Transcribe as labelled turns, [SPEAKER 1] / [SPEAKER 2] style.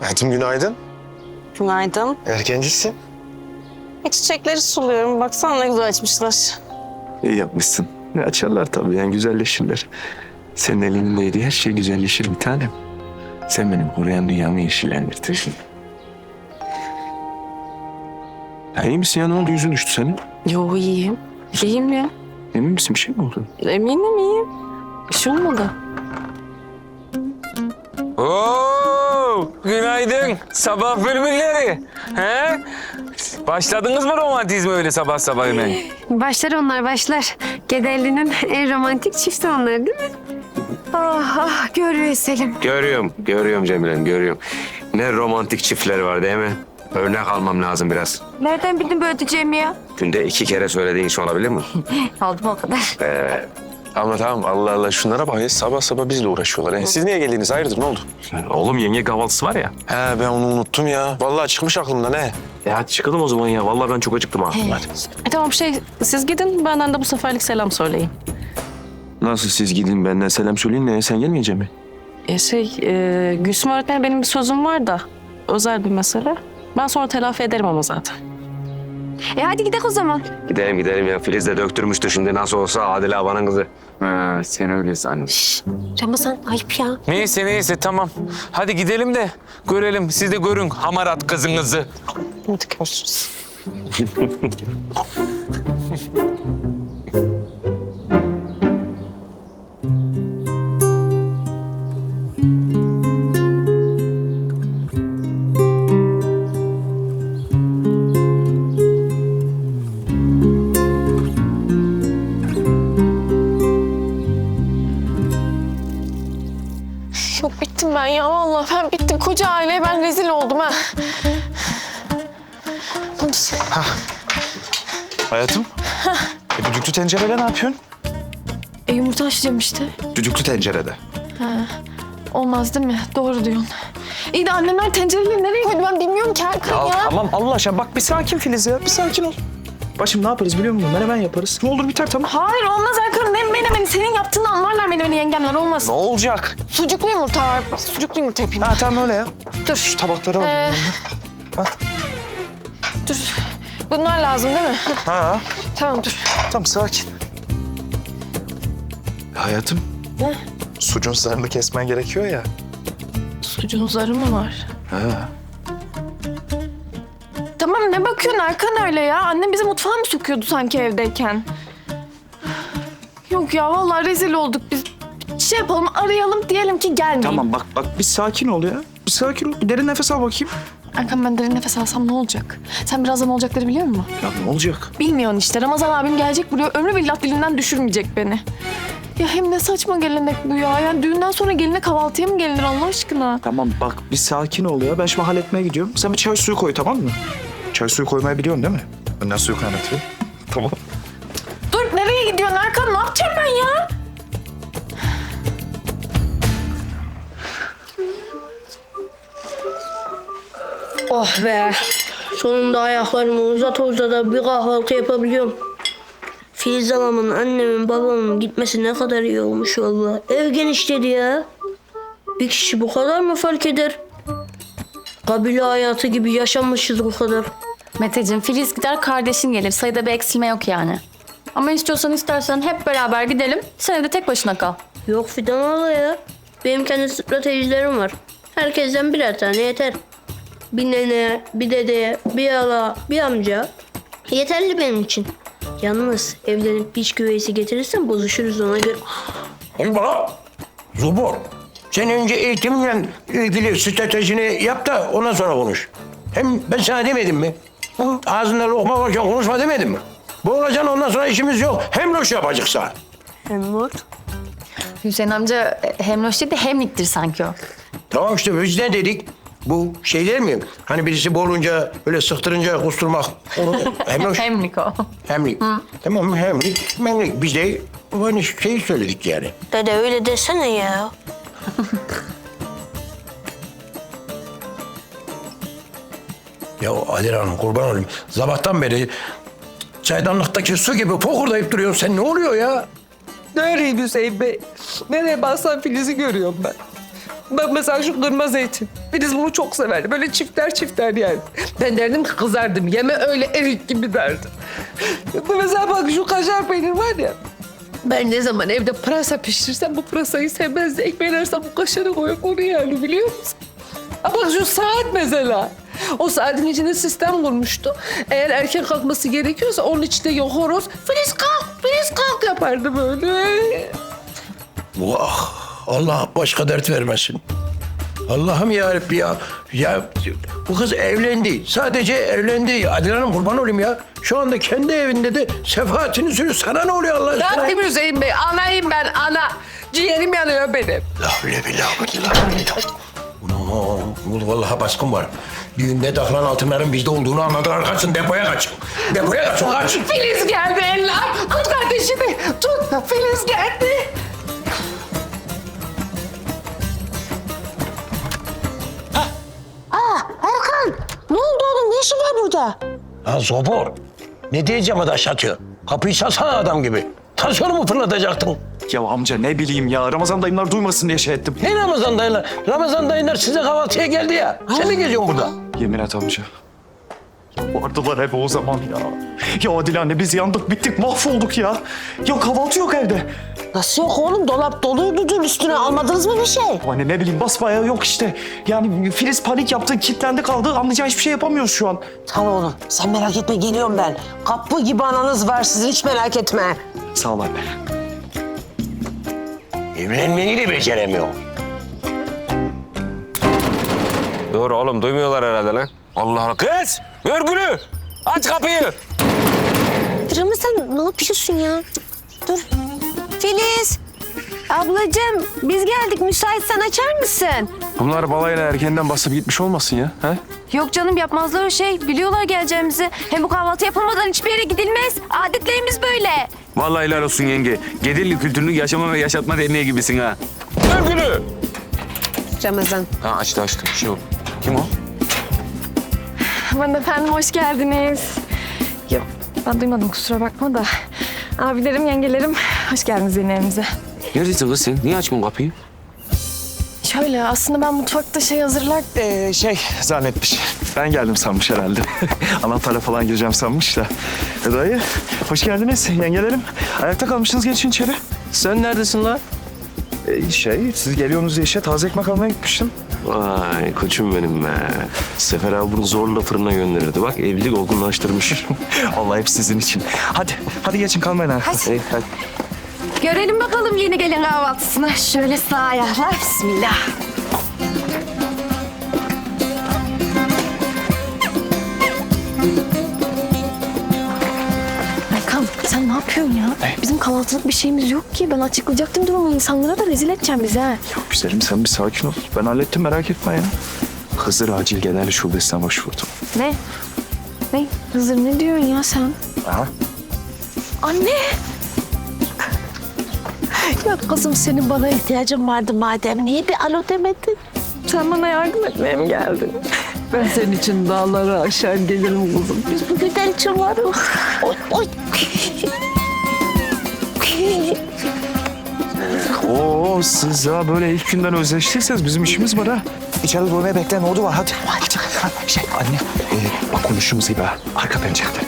[SPEAKER 1] Hayatım günaydın.
[SPEAKER 2] Günaydın.
[SPEAKER 1] Erkencisin.
[SPEAKER 2] Çiçekleri suluyorum. Baksana ne güzel açmışlar.
[SPEAKER 3] İyi yapmışsın. Açarlar tabii yani güzelleşirler. Senin elindeydi her şey güzelleşir bir tanem. Sen benim koruyan dünyamı yeşillendirtirsin. Ya iyi misin ya, ne oldu, yüzün düştü senin?
[SPEAKER 2] Yo iyiyim. İyiyim ya.
[SPEAKER 3] Emin misin, bir şey mi oldu?
[SPEAKER 2] Eminim iyiyim. Bir şey olmadı.
[SPEAKER 4] Oo, günaydın. Sabah bülbülleri. He? Başladınız mı romantizme öyle sabah sabah hemen?
[SPEAKER 5] Başlar onlar başlar. Gedelli'nin en romantik çifti onlar değil mi? Ah ah görüyor Selim.
[SPEAKER 6] Görüyorum Cemile'm, görüyorum. Ne romantik çiftler var değil mi? Örnek almam lazım biraz.
[SPEAKER 5] Nereden bildin böyle diyeceğimi ya?
[SPEAKER 6] Günde 2 kere söylediğin iş olabilir mi?
[SPEAKER 5] Aldım o kadar.
[SPEAKER 1] Ama tamam, Allah Allah, şunlara bak ya, sabah sabah bizle uğraşıyorlar. Siz niye geldiniz, hayırdır, ne oldu?
[SPEAKER 3] Oğlum yenge kahvaltısı var ya.
[SPEAKER 1] He, ben onu unuttum ya. Vallahi çıkmış aklımdan he.
[SPEAKER 3] Hadi çıkalım o zaman ya. Vallahi ben çok acıktım ha. Hadi.
[SPEAKER 2] Tamam siz gidin benden de bu seferlik selam söyleyin.
[SPEAKER 3] Nasıl siz gidin benden selam söyleyin, ne sen gelmeyecek mi?
[SPEAKER 2] Gülsüm öğretmen benim bir sözüm var da özel bir mesele. Ben sonra telafi ederim ama zaten.
[SPEAKER 5] Hadi gidelim o zaman.
[SPEAKER 6] Gidelim ya. Filiz de döktürmüştür şimdi nasıl olsa Adile abanın kızı.
[SPEAKER 3] Ha, sen öyle zannet.
[SPEAKER 5] Ramazan ayıp ya.
[SPEAKER 4] Neyse tamam. Hadi gidelim de görelim. Siz de görün hamarat kızınızı.
[SPEAKER 2] Hadi görüşürüz.
[SPEAKER 7] Yok bittim ben ya vallahi ben bittim. Koca aileye ben rezil oldum ha.
[SPEAKER 1] Hayatım. Düdüklü tencerede ne yapıyorsun?
[SPEAKER 7] Yumurta haşlayacağım işte.
[SPEAKER 1] Düdüklü tencerede.
[SPEAKER 7] Olmaz değil mi? Doğru diyorsun. İyi de annemler tencereleri nereye koydu ben bilmiyorum ki Erkan ya.
[SPEAKER 8] Tamam Allah aşkına bak bir sakin Filiz ya, bir sakin ol. Başım ne yaparız biliyor musun? Menemen yaparız. Ne olur biter tamam.
[SPEAKER 7] Hayır olmaz Erkan. Ne menemeni senin yaptığını anlarlar menemeni yengemler olmaz.
[SPEAKER 8] Ne olacak?
[SPEAKER 7] Sucuklu yumurta var. Sucuklu yumurta yapayım.
[SPEAKER 8] Ha tamam öyle ya.
[SPEAKER 7] Dur.
[SPEAKER 8] Şu tabakları al. Bak.
[SPEAKER 7] Dur. Bunlar lazım değil mi?
[SPEAKER 8] Ha
[SPEAKER 7] Tamam dur.
[SPEAKER 8] tamam sakin.
[SPEAKER 1] Hayatım.
[SPEAKER 7] Ne?
[SPEAKER 1] Sucuğun sarını kesmen gerekiyor ya.
[SPEAKER 7] Sucuğun zarı mı var?
[SPEAKER 1] Ha.
[SPEAKER 7] Tamam ne bakıyorsun Erkan öyle ya? Annem bizi mutfağa mı sokuyordu sanki evdeyken? Yok ya vallahi rezil olduk biz. Şey yapalım arayalım diyelim ki gelmeyin.
[SPEAKER 8] Tamam bak bir sakin ol ya. Bir sakin ol. Bir derin nefes al bakayım.
[SPEAKER 7] Erkan ben derin nefes alsam ne olacak? Sen birazdan olacakları biliyor musun?
[SPEAKER 8] Ya ne olacak?
[SPEAKER 7] Bilmiyorsun işte. Ramazan abim gelecek buraya. Ömrü billah dilinden düşürmeyecek beni. Ya hem ne saçma gelenek bu ya. Yani düğünden sonra geline kahvaltıya mı gelinir Allah aşkına?
[SPEAKER 8] Tamam bak bir sakin ol ya. Ben şimdi halletmeye gidiyorum. Sen bir çay suyu koy tamam mı? Çay suyu koymayı biliyorsun değil mi?
[SPEAKER 1] Ben nasıl suyu kaynatıyorum?
[SPEAKER 8] Tamam.
[SPEAKER 7] Dur nereye gidiyorsun Erkan? Ne yapacağım ben ya?
[SPEAKER 9] Oh be. Sonunda ayaklarımı uzata uzata bir kahvaltı yapabiliyorum. Filiz halamın, annemin, babamın gitmesi ne kadar iyi olmuş vallahi. Ev genişledi ya. Bir kişi bu kadar mı fark eder? Kabile hayatı gibi yaşanmışız bu kadar.
[SPEAKER 10] Meteciğim, Filiz gider kardeşin gelir. Sayıda bir eksilme yok yani. Ama istersen hep beraber gidelim. Sen de tek başına kal.
[SPEAKER 9] Yok Fidan hala ya. Benim kendi stratejilerim var. Herkesten birer tane yeter. Bir nene, bir dede, bir hala, bir amca. Yeterli benim için. Yalnız evlenip piç güveysi getirirsen bozuşuruz ona göre.
[SPEAKER 11] Hem bana Zubor. Sen önce eğitimle ilgili stratejini yap da ondan sonra konuş. Hem ben sana demedim mi? Ağzında lokma varken konuşma demedim mi? Bu olacaksın ondan sonra işimiz yok. Hem loş yapacaksa.
[SPEAKER 9] Hem var.
[SPEAKER 10] Hüseyin amca hem loş değil de hemliktir sanki o.
[SPEAKER 11] Tamam işte biz ne dedik? Bu şey değil mi? Hani birisi boğulunca böyle sıktırınca kusturmak. Onu, hem loş.
[SPEAKER 10] Hemlik o.
[SPEAKER 11] Hemlik. Tamam hemlik, memlik. Biz de aynı şeyi söyledik yani.
[SPEAKER 9] Dede öyle desene ya.
[SPEAKER 11] Ya Adile Hanım kurban olayım. Sabahtan beri çaydanlıktaki su gibi fokurdayıp duruyorsun. Sen ne oluyor ya?
[SPEAKER 12] Neredeyim Hüseyin Bey? Nereye baksam Filiz'i görüyorum ben. Bak mesela şu kırmızı zeytin. Filiz bunu çok severdi. Böyle çifter yani. Ben derdim ki kızardım. Yeme öyle erik gibi derdim. Mesela bak şu kaşar peynir var ya. Ben ne zaman evde pırasa pişirsem bu pırasayı sevmezdi. Ekmeğin arasına bu kaşarı koyup onu yani biliyor musun? Ama bak şu saat mesela. O saatin içinde sistem kurmuştu. Eğer erken kalkması gerekiyorsa onun içinde yok horoz. Filiz kalk yapardı böyle.
[SPEAKER 11] Vah! Allah başka dert vermesin. Allah'ım yarabbim ya. Ya bu kız evlendi. Sadece evlendi. Adile Hanım kurban olayım ya. Şu anda kendi evinde de sefahatini sürüyor. Sana ne oluyor Allah aşkına?
[SPEAKER 12] Rabbim Hüseyin Bey, anayım ben ana. Ciğerim yanıyor benim.
[SPEAKER 11] La bile Bunu vallahi baskın var. Düğünde takılan altınların bizde olduğunu anladılar. Kaçın depoya kaçın. Depoya kaçın kaç.
[SPEAKER 12] Filiz geldi eller. Tut kardeşimi. Tut. Filiz geldi.
[SPEAKER 9] Erkan, ne oldu oğlum? Ne işin var burada?
[SPEAKER 11] Ha Zobor. Ne diyeceğim adaş atıyor. Kapıyı çalsana adam gibi. Tansiyonu mu fırlatacaktın?
[SPEAKER 8] Ya amca ne bileyim ya. Ramazan dayımlar duymasın diye şey ettim.
[SPEAKER 11] Ne Ramazan dayılar? Ramazan dayılar size kahvaltıya geldi ya. Sen ne geziyorsun burada?
[SPEAKER 8] Yemin et amca. Vardılar hep o zaman ya. Ya Adile anne biz yandık bittik mahvolduk ya. Ya kahvaltı yok evde.
[SPEAKER 9] Nasıl yok oğlum? Dolap doluydu dün üstüne. Almadınız mı bir şey?
[SPEAKER 8] Anne ne bileyim basbayağı yok işte. Yani Filiz panik yaptı, kilitlendi kaldı. Anlayacağı hiçbir şey yapamıyoruz şu an.
[SPEAKER 9] Tamam oğlum. Sen merak etme geliyorum ben. Kapı gibi ananız var sizin hiç merak etme.
[SPEAKER 8] Sağ ol anne.
[SPEAKER 11] Evlenmeyi de beceremiyor.
[SPEAKER 4] Doğru oğlum duymuyorlar herhalde lan. Allah Allah. Kız! Örgülü! Aç kapıyı!
[SPEAKER 5] Ramazan ne yapıyorsun ya? Dur. Filiz. Ablacığım biz geldik. Müsaitsen açar mısın?
[SPEAKER 3] Bunlar balayla erkenden basıp gitmiş olmasın ya? He?
[SPEAKER 5] Yok canım yapmazlar o şey. Biliyorlar geleceğimizi. Hem bu kahvaltı yapılmadan hiçbir yere gidilmez. Adetlerimiz böyle.
[SPEAKER 4] Vallahi helal olsun yenge. Gedilli kültürünü yaşama ve yaşatma derneği gibisin ha. Örgülü!
[SPEAKER 5] Ramazan.
[SPEAKER 4] Ha açtı. Bir şey oldu. Kim o?
[SPEAKER 7] Aman efendim hoş geldiniz. Yok ben duymadım kusura bakma da. Abilerim, yengelerim hoş geldiniz yine evimize.
[SPEAKER 4] Neredesin kız sen? Niye açmıyorsun kapıyı?
[SPEAKER 7] Şöyle aslında ben mutfakta şey hazırlarken...
[SPEAKER 8] Zannetmiş. Ben geldim sanmış herhalde. Anahtarla falan gireceğim sanmış da. Dayı, hoş geldiniz yengelerim. Ayakta kalmışsınız, geçin içeri.
[SPEAKER 3] Sen neredesin lan?
[SPEAKER 8] Siz geliyorsunuz diye taze ekmek almaya gitmiştim.
[SPEAKER 1] Vay koçum benim be. Sefer abi bunu zorla fırına gönderirdi. Bak evlilik olgunlaştırmış.
[SPEAKER 8] Allah hep sizin için. Hadi geçin kalmayın ha.
[SPEAKER 1] Hadi.
[SPEAKER 5] Görelim bakalım yeni gelin kahvaltısına. Şöyle sağ ayaklar. Bismillah.
[SPEAKER 7] Erkan sen ne yapıyorsun ya? Bizim kahvaltılık bir şeyimiz yok ki. Ben açıklayacaktım durumu. İnsanlara da rezil edeceğim bizi ha.
[SPEAKER 8] Ya güzelim sen bir sakin ol. Ben hallettim merak etme ya. Hızır Acil Genel Şubesi'ne başvurdum.
[SPEAKER 7] Ne? Ne? Hızır ne diyorsun ya sen?
[SPEAKER 8] Aha.
[SPEAKER 7] Anne!
[SPEAKER 9] Ya kızım senin bana ihtiyacın vardı madem. Niye bir alo demedin?
[SPEAKER 7] Sen bana yardım etmeye mi geldin?
[SPEAKER 12] Ben senin için dağları aşağı gelirim kızım.
[SPEAKER 9] Biz bu güzel için varız. Oy oy.
[SPEAKER 8] Oo siz ya böyle ilk günden özleştiyseniz bizim işimiz var ha. İçeride durmaya bekleyen oldu var hadi. Anne bak konuştuğumuz gibi ha. Arka pencerede.